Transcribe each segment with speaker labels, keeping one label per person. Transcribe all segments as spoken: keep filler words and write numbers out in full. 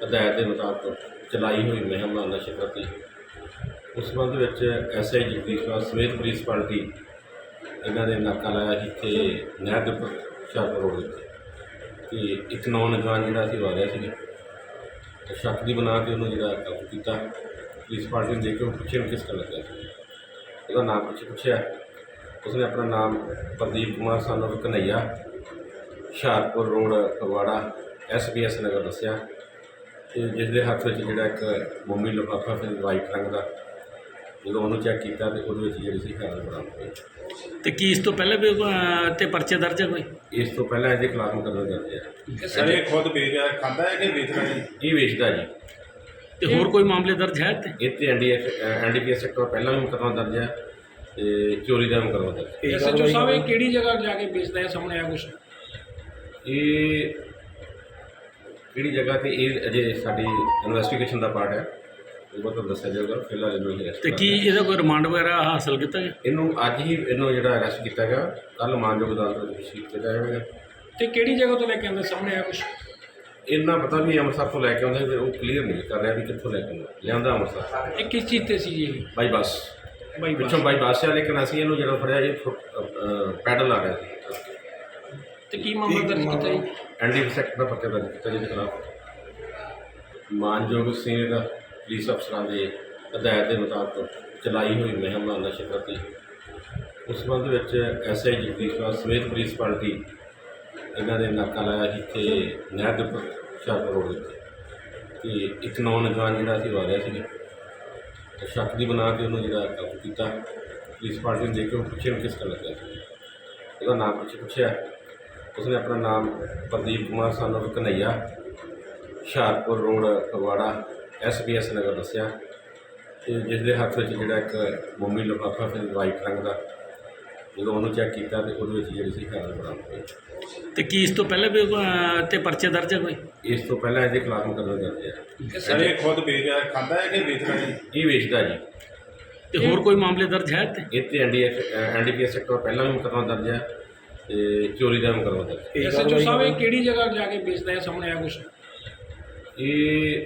Speaker 1: ਹਦਾਇਤ ਦੇ ਮੁਤਾਬਕ ਚਲਾਈ ਹੋਈ ਮੁਹਿੰਮ ਨਸ਼ੇ ਪ੍ਰਤੀ ਉਸ ਸੰਬੰਧ ਵਿੱਚ ਐਸ ਆਈ ਜਗਦੀਸ਼ ਕੁਮਾਰ ਸਮੇਤ ਪੁਲਿਸ ਪਾਰਟੀ ਇਹਨਾਂ ਦੇ ਨਾਕਾ ਲਾਇਆ ਜਿੱਥੇ ਨਹਿਰ ਦੇ ਉੱਪਰ ਹੁਸ਼ਿਆਰਪੁਰ ਰੋਡ ਦੇ ਉੱਤੇ ਅਤੇ ਇੱਕ ਨੌਜਵਾਨ ਜਿਹੜਾ ਅਸੀਂ ਵਾਰਿਆ ਸੀ ਤੇ ਸ਼ੱਕ ਦੀ ਬਣਾ ਕੇ ਉਹਨੂੰ ਜਿਹੜਾ ਕਾਬੂ ਕੀਤਾ। ਪੁਲਿਸ ਪਾਰਟੀ ਨੇ ਦੇਖ ਕੇ ਉਹ ਪੁੱਛਿਆ ਕਿਸ ਕਰ ਲੱਗਿਆ ਸੀ, ਉਹਦਾ ਨਾਮ ਪੁੱਛ ਪੁੱਛਿਆ ਉਸਨੇ ਆਪਣਾ ਨਾਮ Pradeep Kumar son of Kanhaiya Hoshiarpur road Phagwara S B S Nagar ਦੱਸਿਆ ਅਤੇ ਜਿਸ ਦੇ ਹੱਥ ਵਿੱਚ ਜਿਹੜਾ ਇੱਕ ਮੋਮੀ ਲਿਫਾਫਾ ਫਿਰ ਵਾਈਟ ਰੰਗ ਦਾ, ਜਦੋਂ ਉਹਨੂੰ ਚੈੱਕ ਕੀਤਾ ਤਾਂ ਉਹਦੇ ਵਿੱਚ ਜਿਹੜੀ ਸੀ ਹੈਰੋਇਨ ਬਰਾਮਦ ਹੋਈ।
Speaker 2: ਤੇ ਕੀ ਇਸ ਤੋਂ ਪਹਿਲਾਂ ਵੀ ਅਹ, ਤੇ ਪਰਚੇ ਦਰਜ ਹੈ ਕੋਈ?
Speaker 1: ਇਸ ਤੋਂ ਪਹਿਲਾਂ ਇਹਦੇ ਖਿਲਾਫ ਮੁਕੱਦਮਾ ਦਰਜ ਹੈ।
Speaker 3: ਸਰ ਇਹ ਖੁਦ ਵੇਚਦਾ ਖਾਂਦਾ ਹੈ ਕਿ ਵੇਚਦਾ ਹੈ?
Speaker 1: ਇਹ ਵੇਚਦਾ ਜੀ।
Speaker 2: ਤੇ ਹੋਰ ਕੋਈ ਮਾਮਲੇ ਦਰਜ ਹੈ ਤੇ
Speaker 1: ਇਹ 'ਤੇ N D F N D P S sector ਪਹਿਲਾਂ ਵੀ ਮੁਕੱਦਮਾ ਦਰਜ ਹੈ ਅਤੇ ਚੋਰੀ ਦਾ ਮੁਕੱਦਮਾ ਦਰਜ ਹੈ।
Speaker 4: ਐਸ ਐਚ ਓ ਸਾਹਿਬ ਇਹ ਕਿਹੜੀ ਜਗ੍ਹਾ ਜਾ ਕੇ ਵੇਚਦਾ ਹੈ, ਸਾਹਮਣੇ ਆਇਆ ਕੁਛ?
Speaker 1: ਇਹ ਕਿਹੜੀ ਜਗ੍ਹਾ 'ਤੇ ਇਹ ਅਜੇ ਸਾਡੀ ਇਨਵੈਸਟੀਗੇਸ਼ਨ ਦਾ ਪਾਰਟ ਹੈ, ਉਹ ਤੁਹਾਨੂੰ ਦੱਸਿਆ ਜਾਊਗਾ। ਫਿਲਹਾਲ ਇਹਨੂੰ ਹੀ ਅਰੈਸਟ
Speaker 2: ਤੇ ਕੀ ਇਹਦਾ ਕੋਈ ਰਿਮਾਂਡ ਵਗੈਰਾ ਹਾਸਲ ਕੀਤਾ ਗਿਆ?
Speaker 1: ਇਹਨੂੰ ਅੱਜ ਹੀ ਇਹਨੂੰ ਜਿਹੜਾ ਅਰੈਸਟ ਕੀਤਾ ਗਿਆ, ਕੱਲ੍ਹ ਮਾਨਯੋਗ ਅਦਾਲਤ ਵਿੱਚ ਪੇਸ਼ ਕੀਤਾ ਜਾਵੇਗਾ।
Speaker 4: ਤੇ ਕਿਹੜੀ ਜਗ੍ਹਾ ਤੋਂ ਲੈ ਕੇ ਆਉਂਦੇ, ਸਾਹਮਣੇ ਆਇਆ ਕੁਛ?
Speaker 1: ਇੰਨਾ ਪਤਾ ਵੀ ਅੰਮ੍ਰਿਤਸਰ ਤੋਂ ਲੈ ਕੇ ਆਉਂਦਾ ਸੀ, ਉਹ ਕਲੀਅਰ ਨਹੀਂ ਕਰ ਰਿਹਾ ਵੀ ਕਿੱਥੋਂ ਲੈ ਕੇ ਆਉਂਦਾ, ਲਿਆਂਦਾ ਅੰਮ੍ਰਿਤਸਰ
Speaker 4: ਇਹ ਕਿਸ ਚੀਜ਼ ਤੇ ਸੀ ਜੀ ਇਹ?
Speaker 1: ਬਾਈ ਬੱਸ,
Speaker 4: ਬਾਈ ਬੱਸ।
Speaker 1: ਪਿੱਛੋਂ ਬਾਈ ਬੱਸ ਆ, ਲੇਕਿਨ ਅਸੀਂ ਇਹਨੂੰ ਜਿਹੜਾ ਫੜਿਆ ਇਹ ਪੈਡਲ ਆ ਰਿਹਾ ਸੀ।
Speaker 4: ਤੇ ਕੀ ਮਾਮਲਾ ਦਰਜ ਕੀਤਾ ਜੀ?
Speaker 1: ਐਨ ਡੀ ਸੈਕਟਰ ਦਾ ਪਰਚਾ ਦਰਜ ਕੀਤਾ ਜਿਹਦੇ ਖਿਲਾਫ ਮਾਨਯੋਗ ਸੀਨੀਅਰ ਪੁਲਿਸ ਅਫਸਰਾਂ ਦੇ ਹਦਾਇਤ ਦੇ ਮੁਤਾਬਕ ਚਲਾਈ ਹੋਈ ਮੁਹਿੰਮ ਨਸ਼ੇ ਪ੍ਰਤੀ ਉਸ ਸੰਬੰਧ ਵਿੱਚ ਐਸ ਆਈ ਜਗਦੀਸ਼ ਕੁਮਾਰ ਸਮੇਤ ਪੁਲਿਸ ਪਾਰਟੀ ਇਹਨਾਂ ਦੇ ਨਾਕਾ ਲਾਇਆ ਜਿੱਥੇ ਨਹਿਰ ਦੇ ਉੱਪਰ ਹੁਸ਼ਿਆਰਪੁਰ ਰੋਡ ਦੇ ਉੱਤੇ ਅਤੇ ਇੱਕ ਨੌਜਵਾਨ ਜਿਹੜਾ ਅਸੀਂ ਵਾਰਿਆ ਸੀ ਤੇ ਸ਼ੱਕ ਦੀ ਬਣਾ ਕੇ ਉਹਨੂੰ ਜਿਹੜਾ ਕਾਬੂ ਕੀਤਾ। ਪੁਲਿਸ ਪਾਰਟੀ ਨੇ ਦੇਖ ਕੇ ਉਹ ਪੁੱਛਿਆ ਕਿਸ ਕਰ ਲੱਗਿਆ ਸੀ, ਉਹਦਾ ਨਾਮ ਪੁੱਛ ਪੁੱਛਿਆ ਉਸਨੇ ਆਪਣਾ ਨਾਮ Pradeep Kumar son of Kanhaiya Hoshiarpur road Phagwara S B S Nagar ਦੱਸਿਆ ਅਤੇ ਜਿਸ ਦੇ ਹੱਥ ਵਿੱਚ ਜਿਹੜਾ ਇੱਕ ਮੋਮੀ ਲਿਫਾਫਾ ਫਿਰ ਵਾਈਟ ਰੰਗ ਦਾ, ਜਦੋਂ ਉਹਨੂੰ ਚੈੱਕ ਕੀਤਾ ਤਾਂ ਉਹਦੇ ਵਿੱਚ ਜਿਹੜੀ ਸੀ ਹੈਰੋਇਨ ਬਰਾਮਦ ਹੋਈ।
Speaker 2: ਤੇ ਕੀ ਇਸ ਤੋਂ ਪਹਿਲਾਂ ਵੀ ਅਹ, ਤੇ ਪਰਚੇ ਦਰਜ ਹੈ ਕੋਈ?
Speaker 1: ਇਸ ਤੋਂ ਪਹਿਲਾਂ ਇਹਦੇ ਖਿਲਾਫ ਮੁਕੱਦਮਾ ਦਰਜ ਹੈ।
Speaker 3: ਸਰ ਇਹ ਖੁਦ ਵੇਚਦਾ ਖਾਂਦਾ ਹੈ ਕਿ ਵੇਚਦਾ ਹੈ?
Speaker 1: ਇਹ ਵੇਚਦਾ ਜੀ।
Speaker 2: ਤੇ ਹੋਰ ਕੋਈ ਮਾਮਲੇ ਦਰਜ ਹੈ ਤੇ
Speaker 1: ਇਹ 'ਤੇ N D F N D P S sector ਪਹਿਲਾਂ ਵੀ ਮੁਕੱਦਮਾ ਦਰਜ ਹੈ ਅਤੇ ਚੋਰੀ ਦਾ ਮੁਕੱਦਮਾ ਦਰਜ ਹੈ।
Speaker 4: ਐਸ ਐਚ ਓ ਸਾਹਿਬ ਇਹ ਕਿਹੜੀ ਜਗ੍ਹਾ ਜਾ ਕੇ ਵੇਚਦਾ ਹੈ, ਸਾਹਮਣੇ ਆਇਆ ਕੁਛ?
Speaker 1: ਇਹ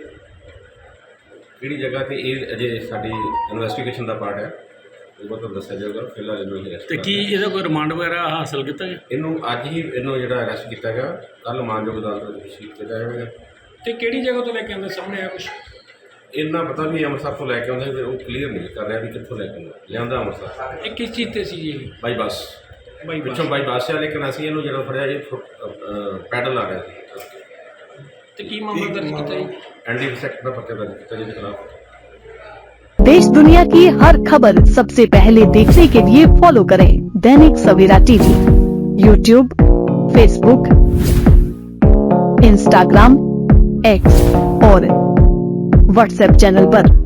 Speaker 1: ਕਿਹੜੀ ਜਗ੍ਹਾ 'ਤੇ ਇਹ ਅਜੇ ਸਾਡੀ ਇਨਵੈਸਟੀਗੇਸ਼ਨ ਦਾ ਪਾਰਟ ਹੈ, ਉਹ ਤੁਹਾਨੂੰ ਦੱਸਿਆ ਜਾਊਗਾ। ਫਿਲਹਾਲ ਇਹਨੂੰ ਹੀ ਅਰੈਸਟ
Speaker 2: ਤੇ ਕੀ ਇਹਦਾ ਕੋਈ ਰਿਮਾਂਡ ਵਗੈਰਾ ਹਾਸਲ ਕੀਤਾ ਗਿਆ?
Speaker 1: ਇਹਨੂੰ ਅੱਜ ਹੀ ਇਹਨੂੰ ਜਿਹੜਾ ਅਰੈਸਟ ਕੀਤਾ ਗਿਆ, ਕੱਲ੍ਹ ਮਾਨਯੋਗ ਅਦਾਲਤ ਵਿੱਚ ਪੇਸ਼ ਕੀਤਾ ਜਾਵੇਗਾ।
Speaker 4: ਤੇ ਕਿਹੜੀ ਜਗ੍ਹਾ ਤੋਂ ਲੈ ਕੇ ਆਉਂਦੇ, ਸਾਹਮਣੇ ਆਇਆ ਕੁਛ?
Speaker 1: ਇੰਨਾ ਪਤਾ ਵੀ ਅੰਮ੍ਰਿਤਸਰ ਤੋਂ ਲੈ ਕੇ ਆਉਂਦਾ ਸੀ, ਉਹ ਕਲੀਅਰ ਨਹੀਂ ਕਰ ਰਿਹਾ ਵੀ ਕਿੱਥੋਂ ਲੈ ਕੇ ਆਉਂਦਾ, ਲਿਆਂਦਾ ਅੰਮ੍ਰਿਤਸਰ
Speaker 4: ਇਹ ਕਿਸ ਚੀਜ਼ ਤੇ ਸੀ ਜੀ ਇਹ?
Speaker 1: ਬਾਈ ਬੱਸ,
Speaker 4: ਬਾਈ ਬੱਸ।
Speaker 1: ਪਿੱਛੋਂ ਬਾਈ ਬੱਸ ਆ, ਲੇਕਿਨ ਅਸੀਂ ਇਹਨੂੰ ਜਿਹੜਾ ਫੜਿਆ ਇਹ ਪੈਡਲ ਆ ਰਿਹਾ ਸੀ।
Speaker 4: ਤੇ ਕੀ ਮਾਮਲਾ ਦਰਜ ਕੀਤਾ ਜੀ?
Speaker 1: ਐਨ ਡੀ ਸੈਕਟਰ ਦਾ ਪਰਚਾ ਦਰਜ ਕੀਤਾ ਜਿਹਦੇ ਖਿਲਾਫ
Speaker 5: देश दुनिया की हर खबर सबसे पहले देखने के लिए फॉलो करें Dainik Savera TV, YouTube, Facebook, Instagram, X और व्हाट्सएप चैनल पर।